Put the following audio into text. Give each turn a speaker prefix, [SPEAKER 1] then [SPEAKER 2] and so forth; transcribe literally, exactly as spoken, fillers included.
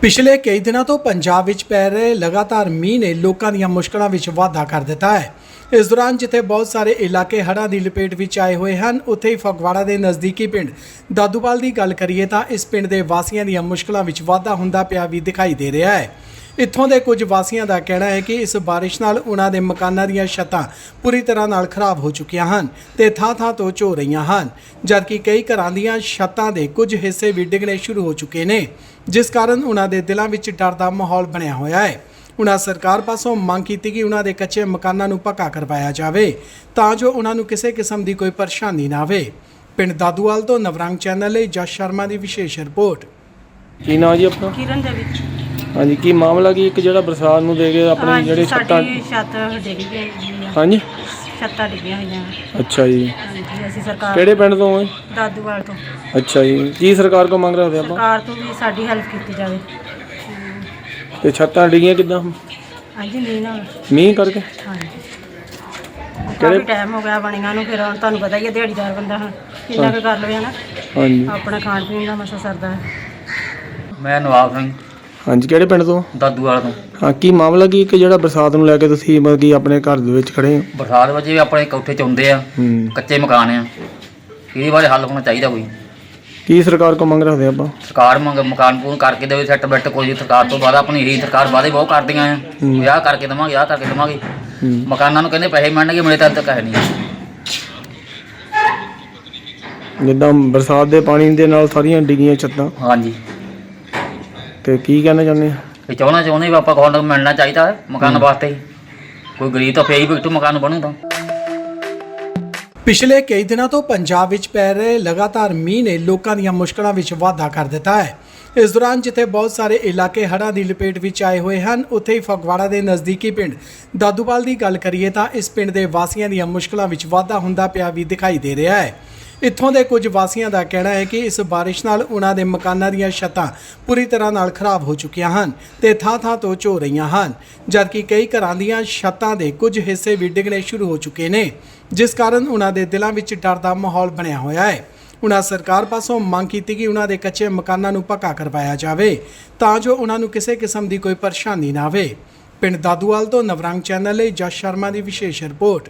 [SPEAKER 1] ਪਿਛਲੇ ਕਈ ਦਿਨਾਂ ਤੋਂ ਪੰਜਾਬ ਵਿੱਚ ਪੈ ਰਹੇ ਲਗਾਤਾਰ ਮੀਂਹ ਨੇ ਲੋਕਾਂ ਦੀਆਂ ਮੁਸ਼ਕਲਾਂ ਵਿੱਚ ਵਾਧਾ ਕਰ ਦਿੱਤਾ ਹੈ। ਇਸ ਦੌਰਾਨ ਜਿੱਥੇ ਬਹੁਤ ਸਾਰੇ ਇਲਾਕੇ ਹੜ੍ਹਾਂ ਦੀ ਲਪੇਟ ਵਿੱਚ ਆਏ ਹੋਏ ਹਨ, ਉੱਥੇ ਹੀ ਫਗਵਾੜਾ ਦੇ ਨਜ਼ਦੀਕੀ ਪਿੰਡ ਦਾਦੂਵਾਲ ਦੀ ਗੱਲ ਕਰੀਏ ਤਾਂ ਇਸ ਪਿੰਡ ਦੇ ਵਾਸੀਆਂ ਦੀਆਂ ਮੁਸ਼ਕਲਾਂ ਵਿੱਚ ਵਾਧਾ ਹੁੰਦਾ ਪਿਆ ਵੀ ਦਿਖਾਈ ਦੇ ਰਿਹਾ ਹੈ। ਇੱਥੋਂ ਦੇ ਕੁਝ ਵਾਸੀਆਂ ਦਾ ਕਹਿਣਾ ਹੈ ਕਿ ਇਸ ਬਾਰਿਸ਼ ਨਾਲ ਉਹਨਾਂ ਦੇ ਮਕਾਨਾਂ ਦੀਆਂ ਛੱਤਾਂ ਪੂਰੀ ਤਰ੍ਹਾਂ ਨਾਲ ਖਰਾਬ ਹੋ ਚੁੱਕੀਆਂ ਹਨ ਤੇ ਥਾਂ-ਥਾਂ ਤੋਂ ਝੋ ਰਹੀਆਂ ਹਨ, ਜਦਕਿ ਕਈ ਘਰਾਂ ਦੀਆਂ ਛੱਤਾਂ ਦੇ ਕੁਝ ਹਿੱਸੇ ਵੀ ਡਿੱਗਣੇ ਸ਼ੁਰੂ ਹੋ ਚੁੱਕੇ ਨੇ, ਜਿਸ ਕਾਰਨ ਉਹਨਾਂ ਦੇ ਦਿਲਾਂ ਵਿੱਚ ਡਰ ਦਾ ਮਾਹੌਲ ਬਣਿਆ ਹੋਇਆ ਹੈ। ਉਹਨਾਂ ਸਰਕਾਰ ਪਾਸੋਂ ਮੰਗ ਕੀਤੀ ਕਿ ਉਹਨਾਂ ਦੇ ਕੱਚੇ ਮਕਾਨਾਂ ਨੂੰ ਪੱਕਾ ਕਰਵਾਇਆ ਜਾਵੇ ਤਾਂ ਜੋ ਉਹਨਾਂ ਨੂੰ ਕਿਸੇ ਕਿਸਮ ਦੀ ਕੋਈ ਪਰੇਸ਼ਾਨੀ ਨਾ ਆਵੇ। ਪਿੰਡ ਦਾਦੂਵਾਲ ਤੋਂ ਨਵਰੰਗ ਚੈਨਲ ਲਈ ਜਸ ਸ਼ਰਮਾ ਦੀ ਵਿਸ਼ੇਸ਼ ਰਿਪੋਰਟ।
[SPEAKER 2] ਕੀ ਨਾਂ ਜੀ ਆਪਣਾ?
[SPEAKER 3] ਕਿਰਨ ਦੇ ਵਿੱਚ
[SPEAKER 2] ਹਾਂਜੀ, ਕੀ ਮਾਮਲਾ ਕੀ ਇੱਕ ਜਿਹੜਾ ਬਰਸਾਤ ਨੂੰ ਦੇ ਕੇ ਆਪਣੇ ਜਿਹੜੇ ਛੱਤਾਂ
[SPEAKER 3] ਸਾਡੀ ਛੱਤ ਡਿੱਗ ਗਈ ਹੈ।
[SPEAKER 2] ਹਾਂਜੀ
[SPEAKER 3] ਛੱਤਾਂ ਡਿੱਗੀਆਂ ਹੋਈਆਂ।
[SPEAKER 2] ਅੱਛਾ ਜੀ,
[SPEAKER 3] ਹਾਂਜੀ, ਅਸੀਂ ਸਰਕਾਰ
[SPEAKER 2] ਕਿਹੜੇ ਪਿੰਡ ਤੋਂ ਹੈ?
[SPEAKER 3] ਦਾਦੂਵਾਲ ਤੋਂ
[SPEAKER 2] ਅੱਛਾ ਜੀ, ਕੀ ਸਰਕਾਰ ਕੋਲ ਮੰਗ ਰੱਖਦੇ ਆਪਾਂ?
[SPEAKER 3] ਸਰਕਾਰ ਤੋਂ ਵੀ ਸਾਡੀ ਹੈਲਪ ਕੀਤੀ ਜਾਵੇ।
[SPEAKER 2] ਤੇ ਛੱਤਾਂ ਡਿੱਗੀਆਂ ਕਿੱਦਾਂ?
[SPEAKER 3] ਹਾਂਜੀ, ਨਹੀਂ ਨਾਲ
[SPEAKER 2] ਮੀਂਹ ਕਰਕੇ?
[SPEAKER 3] ਹਾਂਜੀ, ਕਾਫੀ ਟਾਈਮ ਹੋ ਗਿਆ ਬਣੀਆਂ ਨੂੰ। ਫਿਰ ਹੁਣ ਤੁਹਾਨੂੰ ਪਤਾ ਹੀ ਹੈ, ਦਿਹਾੜੀਦਾਰ ਬੰਦਾ ਹੁਣ ਕਿੰਨਾ ਕੁ ਕਰ ਲਵੇ ਨਾ।
[SPEAKER 2] ਹਾਂਜੀ
[SPEAKER 3] ਆਪਣਾ ਖਾਣ ਪੀਣ ਦਾ ਮਸਾ ਸਰਦਾ ਹੈ।
[SPEAKER 4] ਮੈਂ ਨਵਾਬ ਸਿੰਘ
[SPEAKER 2] ਹਾਂਜੀ, ਕਿਹੜੇ ਪਿੰਡ ਤੋਂ?
[SPEAKER 4] ਦਾਦੂਵਾਲ ਤੋਂ।
[SPEAKER 2] ਹਾਂ, ਕੀ ਮਾਮਲਾ ਕੀ ਇੱਕ ਜਿਹੜਾ ਬਰਸਾਤ ਨੂੰ ਲੈ ਕੇ ਤੁਸੀਂ ਮਤਲਬ ਕਿ ਆਪਣੇ ਘਰ ਦੇ ਵਿੱਚ ਖੜੇ ਹੋ?
[SPEAKER 4] ਬਰਸਾਤ ਵਜੇ ਆਪਣੇ ਕੋਠੇ 'ਚ ਆਉਂਦੇ ਆ,
[SPEAKER 2] ਹੂੰ,
[SPEAKER 4] ਕੱਚੇ ਮਕਾਨ ਆ, ਇਹਦੇ ਬਾਰੇ ਹੱਲ ਹੋਣਾ ਚਾਹੀਦਾ ਕੋਈ।
[SPEAKER 2] ਕੀ ਸਰਕਾਰ ਕੋਲ ਮੰਗ ਰੱਖਦੇ ਆਪਾਂ?
[SPEAKER 4] ਸਰਕਾਰ ਮੰਗ ਮਕਾਨ ਪੂਰਨ ਕਰਕੇ ਦੇਵੇ, ਸੈੱਟ ਬੈੱਟ ਕੋਈ। ਸਰਕਾਰ ਤੋਂ ਬਾਅਦ ਆਪਣੀ ਇਹੀ ਸਰਕਾਰ ਵਾਅਦੇ ਬਹੁਤ ਕਰਦੀਆਂ ਆ, ਵਿਆਹ ਕਰਕੇ ਦੇਵਾਂਗੇ, ਆਹ ਕਰਕੇ ਦੇਵਾਂਗੇ।
[SPEAKER 2] ਹੂੰ,
[SPEAKER 4] ਮਕਾਨਾਂ ਨੂੰ ਕਹਿੰਦੇ ਪੈਸੇ ਮਿਲਣਗੇ, ਮਿਲੇ ਤਾਂ ਤੱਕ ਹੈ ਨਹੀਂ।
[SPEAKER 2] ਜਿੱਦਾਂ ਬਰਸਾਤ ਦੇ ਪਾਣੀ ਦੇ ਨਾਲ ਸਾਰੀਆਂ ਡਿੱਗੀਆਂ ਛੱਤਾਂ,
[SPEAKER 4] ਹਾਂਜੀ,
[SPEAKER 2] ਤੇ ਕੀ ਕਹਿਣਾ ਚਾਹੁੰਦੇ ਆ?
[SPEAKER 4] ਇਹ ਚਾਹੁੰਦਾ ਚਾਹੁੰਦੇ ਵੀ ਆਪਾਂ ਕੋਲ ਮਿਲਣਾ ਚਾਹੀਦਾ ਹੈ ਮਕਾਨ ਵਾਸਤੇ। ਕੋਈ ਗਰੀਬ ਤਾਂ ਫੇਰ ਹੀ ਬਿਕਟੂ ਮਕਾਨ ਬਣੂ ਤਾਂ।
[SPEAKER 1] ਪਿਛਲੇ ਕਈ ਦਿਨਾਂ ਤੋਂ ਪੰਜਾਬ ਵਿੱਚ ਪੈ ਰਹੇ ਲਗਾਤਾਰ ਮੀਂਹ ਨੇ ਲੋਕਾਂ ਦੀਆਂ ਮੁਸ਼ਕਲਾਂ ਵਿੱਚ ਵਾਧਾ ਕਰ ਦਿੱਤਾ ਹੈ। ਇਸ ਦੌਰਾਨ ਜਿੱਥੇ ਬਹੁਤ ਸਾਰੇ ਇਲਾਕੇ ਹੜ੍ਹਾਂ ਦੀ ਲਪੇਟ ਵਿੱਚ ਆਏ ਹੋਏ ਹਨ, ਉੱਥੇ ਹੀ ਫਗਵਾੜਾ ਦੇ ਨਜ਼ਦੀਕੀ ਪਿੰਡ ਦਾਦੂਵਾਲ ਦੀ ਗੱਲ ਕਰੀਏ ਤਾਂ ਇਸ ਪਿੰਡ ਦੇ ਵਾਸੀਆਂ ਦੀਆਂ ਮੁਸ਼ਕਲਾਂ ਵਿੱਚ ਵਾਧਾ ਹੁੰਦਾ ਪਿਆ ਵੀ ਦਿਖਾਈ ਦੇ ਰਿਹਾ ਹੈ। ਇੱਥੋਂ ਦੇ ਕੁਝ ਵਾਸੀਆਂ ਦਾ ਕਹਿਣਾ ਹੈ ਕਿ ਇਸ ਬਾਰਿਸ਼ ਨਾਲ ਉਹਨਾਂ ਦੇ ਮਕਾਨਾਂ ਦੀਆਂ ਛੱਤਾਂ ਪੂਰੀ ਤਰ੍ਹਾਂ ਨਾਲ ਖਰਾਬ ਹੋ ਚੁੱਕੀਆਂ ਹਨ ਤੇ ਥਾਂ-ਥਾਂ ਤੋਂ ਝੋ ਰਹੀਆਂ ਹਨ, ਜਦਕਿ ਕਈ ਘਰਾਂ ਦੀਆਂ ਛੱਤਾਂ ਦੇ ਕੁਝ ਹਿੱਸੇ ਵੀ ਡਿੱਗਣੇ ਸ਼ੁਰੂ ਹੋ ਚੁੱਕੇ ਨੇ, ਜਿਸ ਕਾਰਨ ਉਹਨਾਂ ਦੇ ਦਿਲਾਂ ਵਿੱਚ ਡਰ ਦਾ ਮਾਹੌਲ ਬਣਿਆ ਹੋਇਆ ਹੈ। ਉਹਨਾਂ ਸਰਕਾਰ ਪਾਸੋਂ ਮੰਗ ਕੀਤੀ ਕਿ ਉਹਨਾਂ ਦੇ ਕੱਚੇ ਮਕਾਨਾਂ ਨੂੰ ਪੱਕਾ ਕਰਵਾਇਆ ਜਾਵੇ ਤਾਂ ਜੋ ਉਹਨਾਂ ਨੂੰ ਕਿਸੇ ਕਿਸਮ ਦੀ ਕੋਈ ਪਰੇਸ਼ਾਨੀ ਨਾ ਆਵੇ। ਪਿੰਡ ਦਾਦੂਵਾਲ ਤੋਂ ਨਵਰੰਗ ਚੈਨਲ ਲਈ ਜਸ ਸ਼ਰਮਾ ਦੀ ਵਿਸ਼ੇਸ਼ ਰਿਪੋਰਟ।